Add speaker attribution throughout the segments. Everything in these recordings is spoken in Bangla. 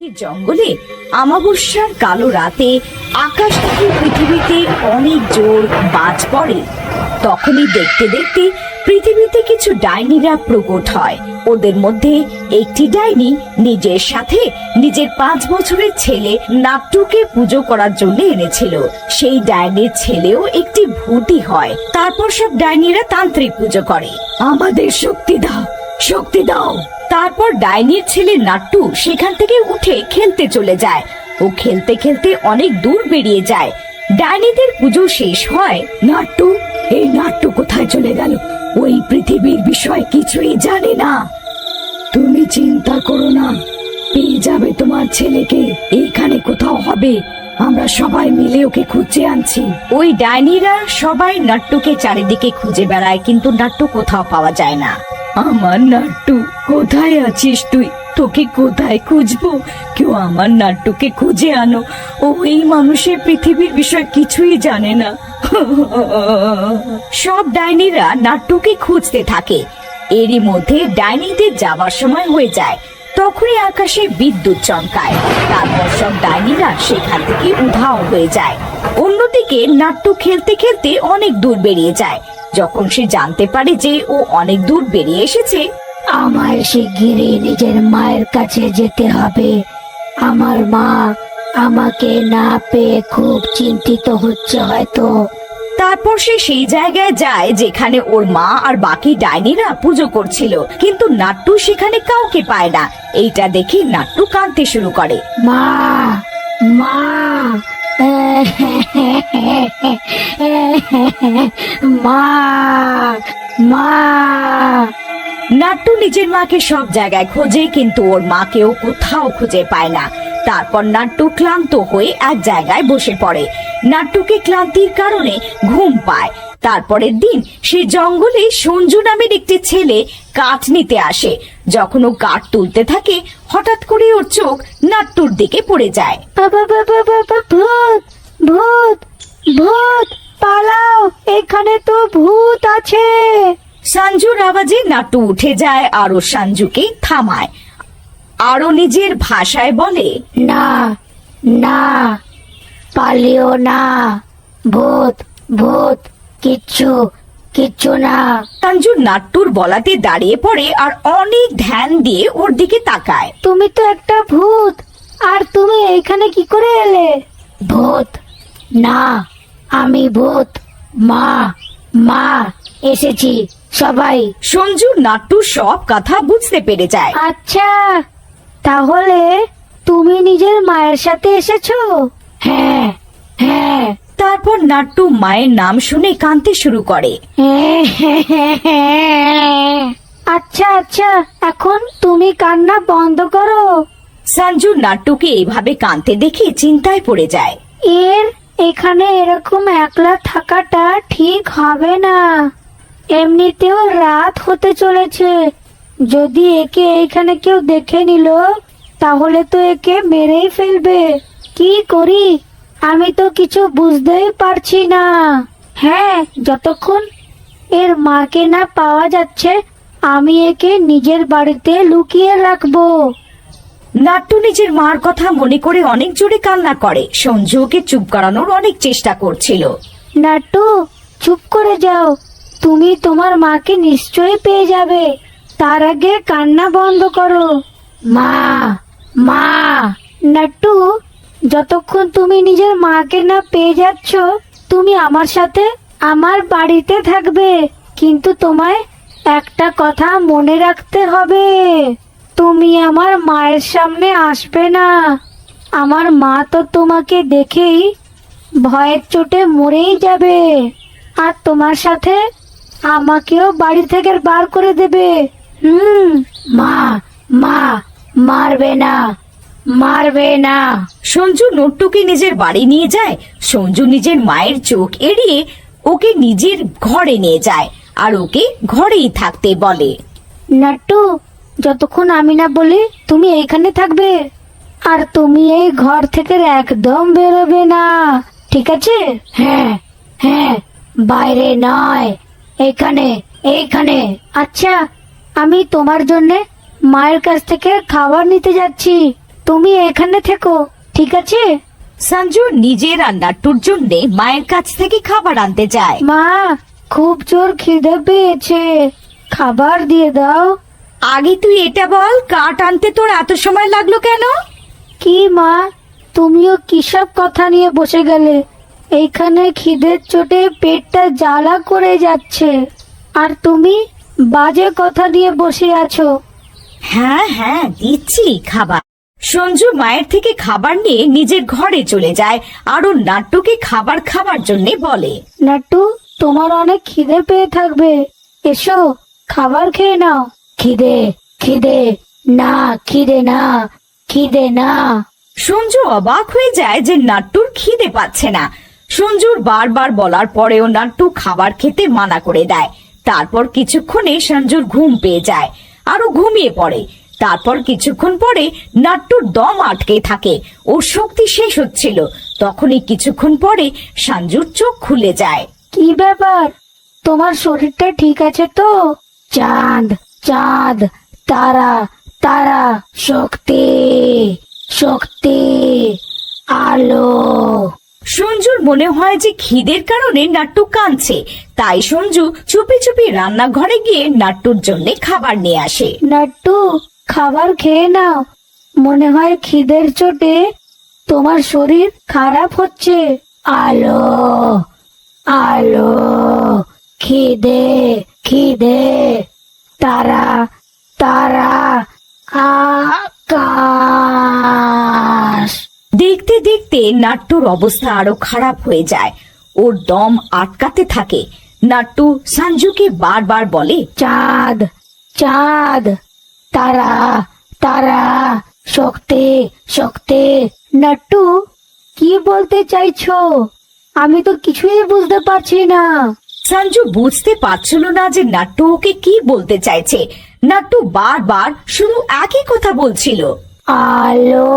Speaker 1: জঙ্গলে আমাবস্যার কালো রাতে আকাশ থেকে পৃথিবীতে অনেক জোর বাজ পড়ে। তখনই দেখতে দেখতে পৃথিবীতে কিছু ডাইনিরা প্রকট হয়। ওদের মধ্যে একটি ডাইনি নিজের সাথে নিজের 5 বছরের ছেলে নাট্টুকে পুজো করার জন্য এনেছিল। সেই ডাইনির ছেলেও একটি ভূতই হয়। তারপর সব ডাইনিরা তান্ত্রিক পুজো করে, আমাদের শক্তি দাও, শক্তি দাও। তারপর ডাইনির ছেলে নাট্টু সেখান থেকে উঠে খেলতে চলে যায়। ও খেলতে খেলতে অনেক দূর বেরিয়ে যায়। ডাইনিদের পুজো শেষ হয়। নাট্টু, এই নাট্টু কোথায় চলে গেল? ওই পৃথিবীর বিষয় কিছুই জানে না। তুমি চিন্তা করো না, পেয়ে যাবে তোমার ছেলেকে। এইখানে কোথাও হবে, আমরা সবাই মিলে ওকে খুঁজে আনছি। ওই ডাইনিরা সবাই নাট্টুকে চারিদিকে খুঁজে বেড়ায়, কিন্তু নাট্টু কোথাও পাওয়া যায় না। আমার নাট্টু, কোথায় আছিস তুই? তোকে কোথায় খুঁজবো? কেউ আমার নাট্টুকে খুঁজে আনো। ও এই মানুষের পৃথিবীর বিষয় কিছুই জানে না। সব ডাইনিরা নাট্টুকে খুঁজতে থাকে। এরই মধ্যে ডাইনিদের যাওয়ার সময় হয়ে যায়। তখনই আকাশে বিদ্যুৎ চমকায়। তারপর সব ডাইনিরা সেখান থেকে উধাও হয়ে যায়। অন্যদিকে নাট্টু খেলতে খেলতে অনেক দূর বেরিয়ে যায়। যখন সে জানতে পারে যে ও অনেক দূর বেরিয়ে এসেছে,
Speaker 2: আমায় শিগগিরই নিজের মায়ের কাছে যেতে হবে। আমার মা আমাকে না পেয়ে খুব চিন্তিত হচ্ছে হয়তো।
Speaker 1: তারপর সে সেই জায়গায় যায় যেখানে ওর মা আর বাকি ডাইনিরা পুজো করছিল, কিন্তু নাট্টু সেখানে কাউকে পায় না। এইটা দেখে নাট্টু কাঁদতে শুরু করে।
Speaker 2: মা, মা, মা, মা।
Speaker 1: নাট্টু নিজের মাকে সব জায়গায় খোঁজে, কিন্তু ওর মাকেও কোথাও খুঁজে পায় না। তারপর নাট্টু ক্লান্ত হয়ে এক জায়গায় বসে পড়ে। নাট্টুকে ক্লান্তির কারণে ঘুম পায়। তারপরের দিন সে জঙ্গলে সঞ্জু নামের একটি ছেলে কাঠ নিতে আসে। যখন ও কাঠ তুলতে থাকে, হঠাৎ করে ওর চোখ নাট্টুর দিকে পড়ে যায়।
Speaker 2: বাবা, বাবা, বাবা, ভূত, ভূত, ভূত, পালাও, এখানে তো ভূত আছে।
Speaker 1: সঞ্জুর আওয়াজে নাট্টু উঠে যায় আর ও সঞ্জুকে থামায়। আরো নিজের ভাষায় বলে,
Speaker 2: না, না, পালিও না, ভূত, ভূত, কিচ্ছু, কিচ্ছু না।
Speaker 1: সঞ্জু নাট্টুর বলাতে দাঁড়িয়ে পড়ে আর অনেক ধ্যান দিয়ে ওর দিকে তাকায়।
Speaker 2: তুমি তো একটা ভূত, আর তুমি এখানে কি করে এলে? ভূত না, আমি ভূত। মা, মা, এসেছি সবাই।
Speaker 1: সঞ্জু নাট্টুর সব কথা বুঝতে পেরে যায়।
Speaker 2: আচ্ছা, তাহলে তুমি নিজের মায়ের সাথে এসেছো? হ্যাঁ, হ্যাঁ।
Speaker 1: তারপর নাট্টু মায়ের নাম শুনে কাঁদতে শুরু করে।
Speaker 2: আচ্ছা, আচ্ছা, এখন তুমি কান্না বন্ধ করো।
Speaker 1: সঞ্জু নাট্টুকে এভাবে কাঁদতে দেখে চিন্তায় পড়ে যায়।
Speaker 2: এখানে এরকম একলা থাকাটা ঠিক হবে না। এমনিতেও রাত হতে চলেছে। যদি একে এখানে কেউ দেখে নিল, তাহলে তো একে মেরেই ফেলবে। কি করি আমি তো কিছু বুঝতেই পারছি না। হ্যাঁ, যতক্ষণ এর মাকে না পাওয়া যাচ্ছে, আমি একে নিজের বাড়িতে লুকিয়ে রাখবো।
Speaker 1: নাট্টু নিজের মার কথা মনে করে অনেক জোরে কান্না করে। সঞ্জু ওকে চুপ করানোর অনেক চেষ্টা করছিল।
Speaker 2: নাট্টু, চুপ করে যাও, তুমি তোমার মাকে নিশ্চয়ই পেয়ে যাবে। তার আগে কান্না বন্ধ করো। মা, মা। নাট্টু, যতক্ষণ তুমি নিজের মাকে না পেয়ে যাচ্ছ, তুমি আমার সাথে আমার বাড়িতে থাকবে। কিন্তু তোমায় একটা কথা মনে রাখতে হবে, তুমি আমার মায়ের সামনে আসবে না। আমার মা তো তোমাকে দেখেই ভয়ের চোটে মরেই যাবে, আর তোমার সাথে আমাকেও বাড়ি থেকে বার করে দেবে। মা, মা, মারবে না, মারবে না।
Speaker 1: সঞ্জু নাট্টুকে নিজের বাড়ি নিয়ে যায়। সঞ্জু নিজের মায়ের চোখ এড়িয়ে ওকে নিজের ঘরে নিয়ে যায় আর ওকে ঘরেই থাকতে বলে।
Speaker 2: নাট্টু, যতক্ষণ আমি না বলি তুমি এইখানে থাকবে, আর তুমি এই ঘর থেকে একদম বেরোবে না, ঠিক আছে? হ্যাঁ, হ্যাঁ, বাইরে নয়, এইখানে, এইখানে। আচ্ছা, আমি তোমার জন্য মায়ের কাছ থেকে খাবার নিতে যাচ্ছি, তুমি এখানে থেকো, ঠিক আছে?
Speaker 1: সঞ্জু নিজের আর নাট্টুর জন্য মায়ের কাছ থেকে খাবার আনতে যায়।
Speaker 2: মা, খুব জোর খিদে পেয়েছে, খাবার দিয়ে দাও।
Speaker 1: আগে তুই এটা বল, কাঠ আনতে তোর এত সময় লাগলো কেন?
Speaker 2: কি মা, তুমিও কিসব কথা নিয়ে বসে গেলে? এইখানে খিদের চোটে পেটটা জ্বালা করে যাচ্ছে, আর তুমি বাজে কথা নিয়ে বসে আছো।
Speaker 1: হ্যাঁ হ্যাঁ, দিচ্ছি খাবার। সঞ্জু মায়ের থেকে খাবার নিয়ে নিজের ঘরে চলে যায় আর ও নাট্টুকে খাবার খাবার জন্য বলে।
Speaker 2: নাট্টু, তোমার অনেক খিদে পেয়ে থাকবে, এসো খাবার খেয়ে নাও। খিদে খিদে না, খিদে না, খিদে না।
Speaker 1: সঞ্জু অবাক হয়ে যায় যে নাট্টুর খিদে পাচ্ছে না। সঞ্জুর বারবার বলার পরেও নাট্টু খাবার খেতে মানা করে দেয়। তারপর কিছুক্ষণে সঞ্জুর ঘুম পেয়ে যায় আর ও ঘুমিয়ে পড়ে। তারপর কিছুক্ষণ পরে নাট্টুর দম আটকে থাকে, ওর শক্তি শেষ হচ্ছিল। তখনই কিছুক্ষণ পরে সঞ্জুর চোখ খুলে যায়।
Speaker 2: কি ব্যাপার, তোমার শরীরটা ঠিক আছে তো? চাঁদ চাঁদ, তারা তারা, শক্তি শক্তি, আলো।
Speaker 1: সঞ্জুর মনে হয় যে খিদের কারণে নাট্টু কাঁদছে, তাই সঞ্জু চুপি চুপি রান্নাঘরে গিয়ে নাট্টুর জন্য খাবার নিয়ে আসে।
Speaker 2: নাট্টু, খাবার খেয়ে নাও, মনে হয় খিদের চোটে তোমার শরীর খারাপ হচ্ছে। আলো আলো, খিদে খিদে, তারা তারা, আকাশ।
Speaker 1: দেখতে দেখতে নাট্টুর অবস্থা আরো খারাপ হয়ে যায়, ওর দম আটকাতে থাকে। নাট্টু সঞ্জুকে বারবার বলে,
Speaker 2: চাঁদ চাঁদ, তারা তারা, শক্তি শক্তি। নাট্টু, কি বলতে চাইছো? আমি তো কিছুই বুঝতে পারছি না।
Speaker 1: সঞ্জু বুঝতে পারছিল না যে নাট্টু ওকে কি বলতে চাইছে। নাট্টু বারবার শুধু একই কথা বলছিল,
Speaker 2: আলো,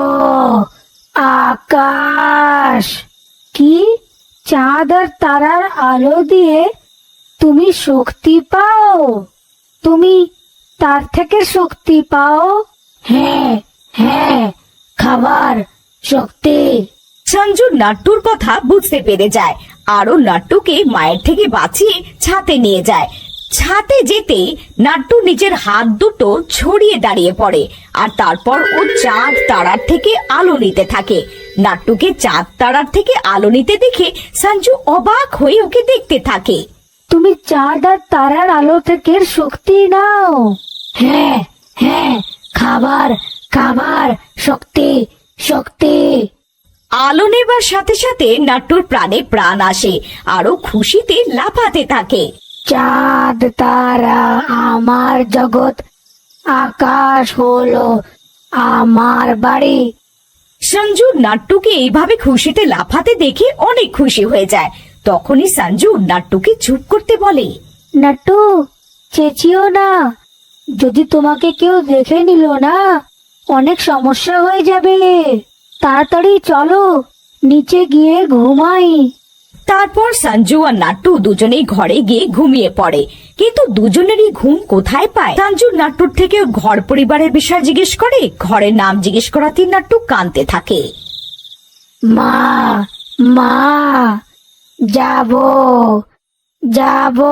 Speaker 2: আকাশ। কি? চাঁদ আর তারার আলো দিয়ে তুমি শক্তি পাও? তুমি তার থেকে শক্তি পাও? হ্যাঁ হ্যাঁ, খাবার, শক্তি।
Speaker 1: সঞ্জু নাট্টুর কথা বুঝতে পেরে যায় আরো নাট্টুকে মায়ের থেকে বাঁচিয়ে ছাতে নিয়ে যায়। ছাতে যেতে নাট্টু নিজের হাত দুটো ছড়িয়ে দাঁড়িয়ে পড়ে আর তারপর ও চাঁদ তারার থেকে আলো নিতে থাকে। নাট্টুকে চাঁদ তারার থেকে আলো নিতে দেখে সঞ্জু অবাক হয়ে ওকে দেখতে থাকে।
Speaker 2: তুমি চাঁদ আর তারার আলো থেকে শক্তি নাও? হ্যাঁ হ্যাঁ, খাবার খাবার, শক্তি শক্তি।
Speaker 1: আলো নেবার সাথে সাথে নাট্টুর প্রাণে প্রাণ আসে আরো খুশিতে লাফাতে থাকে।
Speaker 2: চাঁদ তারা আমার জগৎ, আকাশ হলো আমার বাড়ি।
Speaker 1: সঞ্জু নাট্টুকে এইভাবে খুশিতে লাফাতে দেখে অনেক খুশি হয়ে যায়। তখনই সঞ্জু নাট্টুকে চুপ করতে বলে,
Speaker 2: নাট্টু, চেঁচিও না, যদি তোমাকে কেউ দেখে নিল না, অনেক সমস্যা হয়ে যাবে। তাড়াতাড়ি চলো, নিচে গিয়ে ঘুমাই।
Speaker 1: তারপর সঞ্জু আর নাট্টু দুজনেই ঘরে গিয়ে ঘুমিয়ে পড়ে। কিন্তু দুজনেরই ঘুম কোথায় পায়? সঞ্জু নাট্টুর থেকে ওর ঘর পরিবারের বিষয় জিজ্ঞেস করে, ঘরের নাম জিজ্ঞেস করাতেই নাট্টু কাঁদতে থাকে।
Speaker 2: মা মা, যাবো যাবো।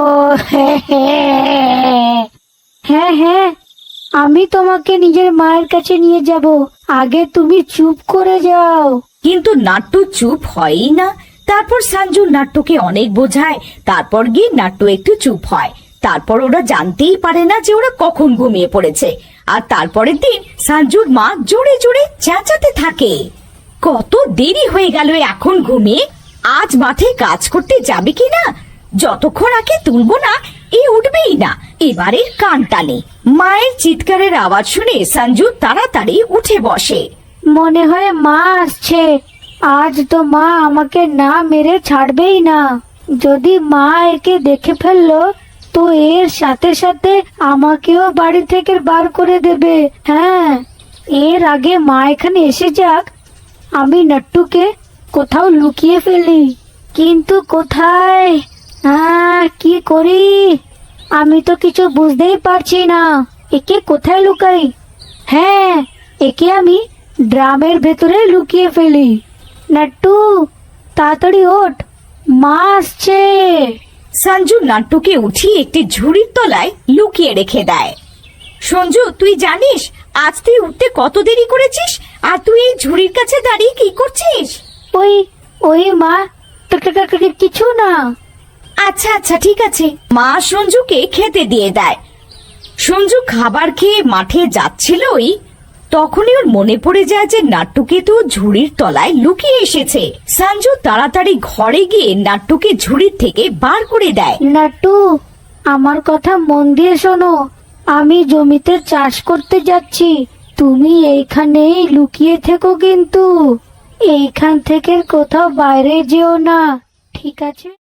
Speaker 2: হ্যাঁ হ্যাঁ, আমি তোমাকে নিজের মায়ের কাছে নিয়ে যাব, আগে তুমি চুপ করে যাও।
Speaker 1: কিন্তু নাট্টু চুপ হয়ই না। তারপর সঞ্জু নাট্টুকে অনেক বোঝায়, তারপর গিয়ে নাট্টু একটু চুপ হয়। তারপর ওরা জানতেই পারে না যে ওরা কখন ঘুমিয়ে পড়েছে। আর তারপরের দিন সঞ্জুর মা জোরে জোরে চেঁচাতে থাকে, কত দেরি হয়ে গেল এখন ঘুমিয়ে, আজ মাঠে কাজ করতে যাবে কিনা? যতক্ষণ আগে তুলবো না এ উঠবেই না, এবারে কান টানে। মায়ের চিৎকারের আওয়াজ শুনে সঞ্জু তাড়াতাড়ি উঠে বসে।
Speaker 2: মনে হয় মা আসছে, আজ তো মা আমাকে না মেরে ছাড়বেই না। যদি মা একে দেখে ফেললো তো এর সাথে সাথে আমাকেও বাড়ি থেকে বার করে দেবে। হ্যাঁ, এর আগে মা এখানে এসে যাক, আমি নাট্টুকে কোথাও লুকিয়ে ফেলি। কিন্তু কোথায়? কি করি? আমি তো কিছু বুঝতেই পারছি না, একে কোথায় লুকাই? হ্যাঁ, একে আমি ড্রামের ভেতরে লুকিয়ে ফেলি। নাট্টু, তাড়াতাড়ি ওঠ, মা আসছে।
Speaker 1: সঞ্জু নাট্টুকে উঠিয়ে একটি ঝুড়ির তলায় লুকিয়ে রেখে দেয়। সঞ্জু, তুই জানিস আজ তুই উঠতে কত দেরি করেছিস, আর তুই এই ঝুড়ির কাছে দাঁড়িয়ে কি করছিস?
Speaker 2: ওই ওই মা, কিছু না।
Speaker 1: আচ্ছা আচ্ছা ঠিক আছে। মা সঞ্জুকে খেতে দিয়ে দেয়। সঞ্জু খাবার খেয়ে মাঠে যাচ্ছিলই তখনই ওর মনে পড়ে যায় যে নাট্টুকে তো ঝুড়ির তলায় লুকিয়ে এসেছে। সঞ্জু তাড়াতাড়ি ঘরে গিয়ে নাট্টুকে ঝুড়ির থেকে বার করে দেয়।
Speaker 2: নাট্টু, আমার কথা মন দিয়ে শোনো। আমি জমিতে চাষ করতে যাচ্ছি, তুমি এইখানেই লুকিয়ে থেকো, কিন্তু এইখান থেকে কোথাও বাইরে যেও না, ঠিক আছে?